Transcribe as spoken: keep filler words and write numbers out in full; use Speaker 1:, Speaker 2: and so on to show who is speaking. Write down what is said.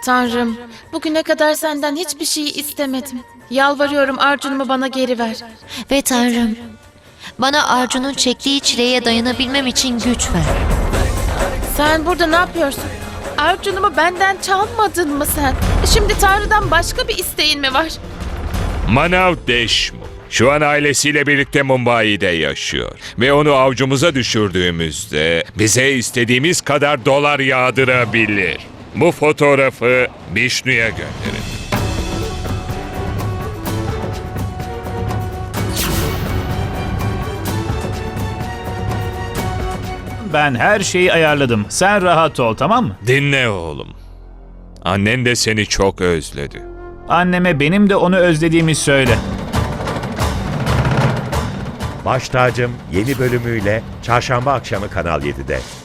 Speaker 1: Tanrım, bugüne kadar senden hiçbir şey istemedim. Yalvarıyorum, Arjun'umu bana geri ver.
Speaker 2: Ve Tanrım, bana Arjun'un çektiği çileye dayanabilmem için güç ver.
Speaker 1: Sen burada ne yapıyorsun? Arjun'umu benden çalmadın mı sen? Şimdi Tanrı'dan başka bir isteğin mi var?
Speaker 3: Manav Deshmukh şu an ailesiyle birlikte Mumbai'de yaşıyor. Ve onu avcumuza düşürdüğümüzde bize istediğimiz kadar dolar yağdırabilir. Bu fotoğrafı Bishnu'ya gönderin.
Speaker 4: Ben her şeyi ayarladım. Sen rahat ol, tamam mı?
Speaker 3: Dinle oğlum. Annen de seni çok özledi.
Speaker 4: Anneme benim de onu özlediğimi söyle.
Speaker 5: Baş Tacım yeni bölümüyle Çarşamba akşamı Kanal yedide.